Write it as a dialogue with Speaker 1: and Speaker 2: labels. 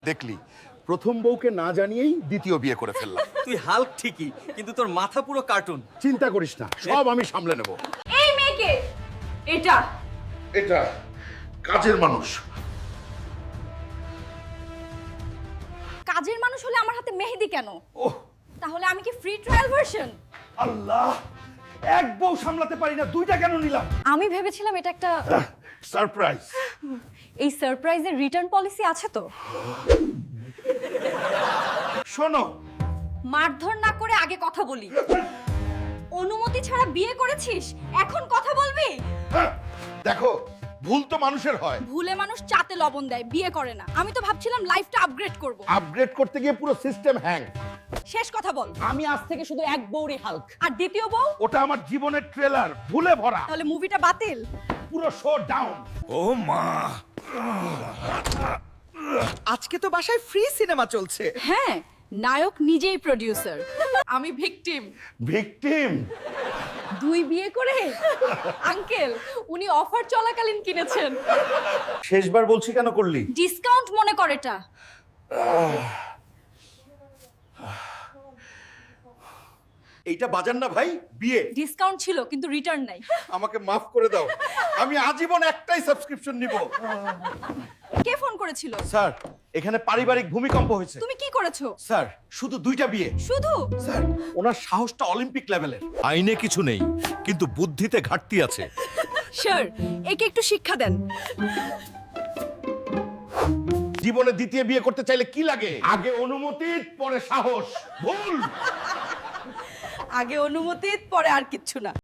Speaker 1: দেখলি প্রথম বউকে না জানিয়েই দ্বিতীয় বিয়ে করে ফেললাম।
Speaker 2: তুই হাল্ক ঠিকই, কিন্তু তোর মাথা পুরো কার্টুন।
Speaker 1: চিন্তা করিস না, সব আমি সামলে নেব।
Speaker 3: এই মেয়েকে এটা
Speaker 1: এটা কাজের মানুষ।
Speaker 3: কাজের মানুষ হলে আমার হাতে মেহেদি কেন?
Speaker 1: ওহ
Speaker 3: তাহলে আমি কি ফ্রি ট্রায়াল ভার্সন?
Speaker 1: আল্লাহ, এক বউ সামলাতে পারি না, দুইটা কেন নিলাম?
Speaker 3: আমি ভেবেছিলাম এটা একটা
Speaker 1: সারপ্রাইজ।
Speaker 3: এই সারপ্রাইজের রিটার্ন পলিসি আছে তো?
Speaker 1: শোনো,
Speaker 3: মারধর না করে আগে কথা বলি। অনুমতি ছাড়া বিয়ে করেছিস, এখন কথা বলবি?
Speaker 1: দেখো ভুল তো মানুষের হয়।
Speaker 3: ভুলে মানুষ চাতে লবণ দেয়, বিয়ে করে না। আমি তো ভাবছিলাম লাইফটা আপগ্রেড করব।
Speaker 1: আপগ্রেড করতে গিয়ে পুরো সিস্টেম হ্যাং।
Speaker 3: শেষ কথা বল।
Speaker 4: আমি আজ থেকে শুধু এক বউরই হাল্ক।
Speaker 3: আর দ্বিতীয় বউ?
Speaker 1: ওটা আমার জীবনের ট্রেলার, ভুলে ভরা।
Speaker 3: তাহলে মুভিটা বাতিল।
Speaker 1: পুরো শো ডাউন। ও মা,
Speaker 2: আজকে তো বাসায় ফ্রি সিনেমা চলছে।
Speaker 3: হ্যাঁ, নায়ক নিজেই প্রোডিউসার, আমি ভিকটিম।
Speaker 1: ভিকটিম?
Speaker 3: দুই বিয়ে করে? আঙ্কেল, উনি অফার চলাকালীন কিনেছেন।
Speaker 1: শেষবার বলছি কেন করলি?
Speaker 3: ডিসকাউন্ট মনে কর এটা।
Speaker 1: এইটা বাজার না ভাই, বিয়ে।
Speaker 3: ডিসকাউন্ট ছিল কিন্তু রিটার্ন নাই।
Speaker 1: আমাকে মাফ করে দাও, আমি আজীবন একটাই সাবস্ক্রিপশন নিব।
Speaker 3: কে ফোন করেছিল?
Speaker 1: স্যার, এখানে পারিবারিক ভূমিকম্প হয়েছে।
Speaker 3: তুমি কি করেছো?
Speaker 1: স্যার, শুধু দুইটা বিয়ে।
Speaker 3: শুধু?
Speaker 1: স্যার, ওনার সাহসটা অলিম্পিক লেভেলের।
Speaker 5: আইনে কিছু নেই, কিন্তু বুদ্ধিতে ঘাটতি আছে।
Speaker 3: স্যার, একে একটু শিক্ষা দেন।
Speaker 1: জীবনে দ্বিতীয় বিয়ে করতে চাইলে কি লাগে? আগে অনুমতি, পরে সাহস। ভুল।
Speaker 3: আগে অনুমতি, পরে আর কিচ্ছু না।